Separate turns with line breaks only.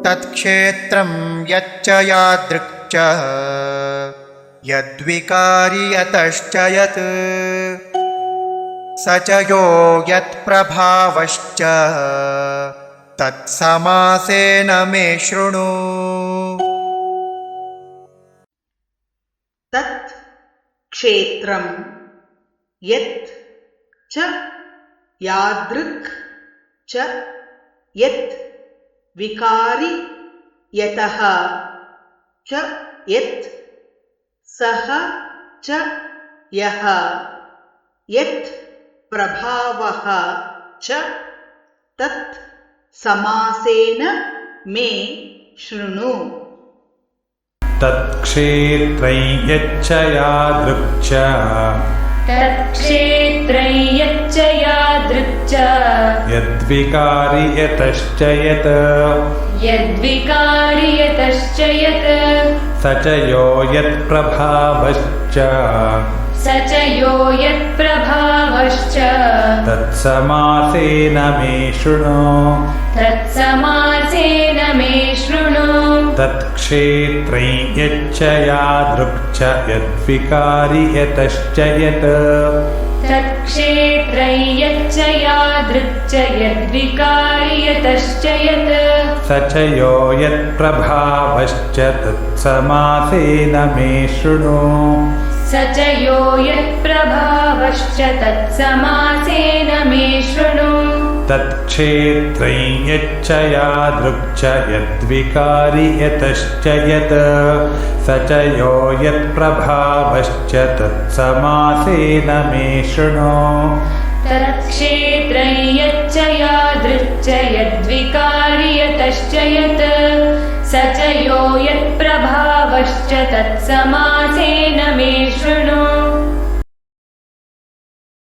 तत्क्षेत्रं यच्च यादृक् च यद्विकारि यतश्च यत् स च यो यत्प्रभावश्च तत्समासेन मे शृणु।
तत् क्षेत्रं यत् च यादृक् च यत् विकारि यतः च यत् सः च यः यत् प्रभावः च तत् समासेन मे शृणु।
तत्क्षेत्रै यच्च यादृक् च
तत्क्षेत्रै यच्च यादृक् च
यद्विकारि यतश्च यत्
यद्विकारि यतश्च यत्
स च यो यत्प्रभावश्च
स च यो यत्प्रभावश्च
तत्समासेन मे शृणु।
तत्समासेन मे शृणु।
तत्क्षेत्रै यच्च यादृक् च यद्विकारि यतश्च यत्
तत्क्षेत्रै यच्च यादृक् च यद्विकारि यतश्च यत्
स च यो यत्प्रभावश्च तत्समासेन मे शृणु।
स च यो यत्प्रभावश्च तत्समासेन मे शृणु।
तत्क्षेत्रै यच्च यादृक् च यद्विकारि यतश्च यत् स च यो यत्प्रभावश्च तत्समासेन मे शृणु।
तत्क्षेत्रै यच्च यादृक् च यद्विकारि यतश्च यत् स च यो यत्प्रभावश्च तत्समासेन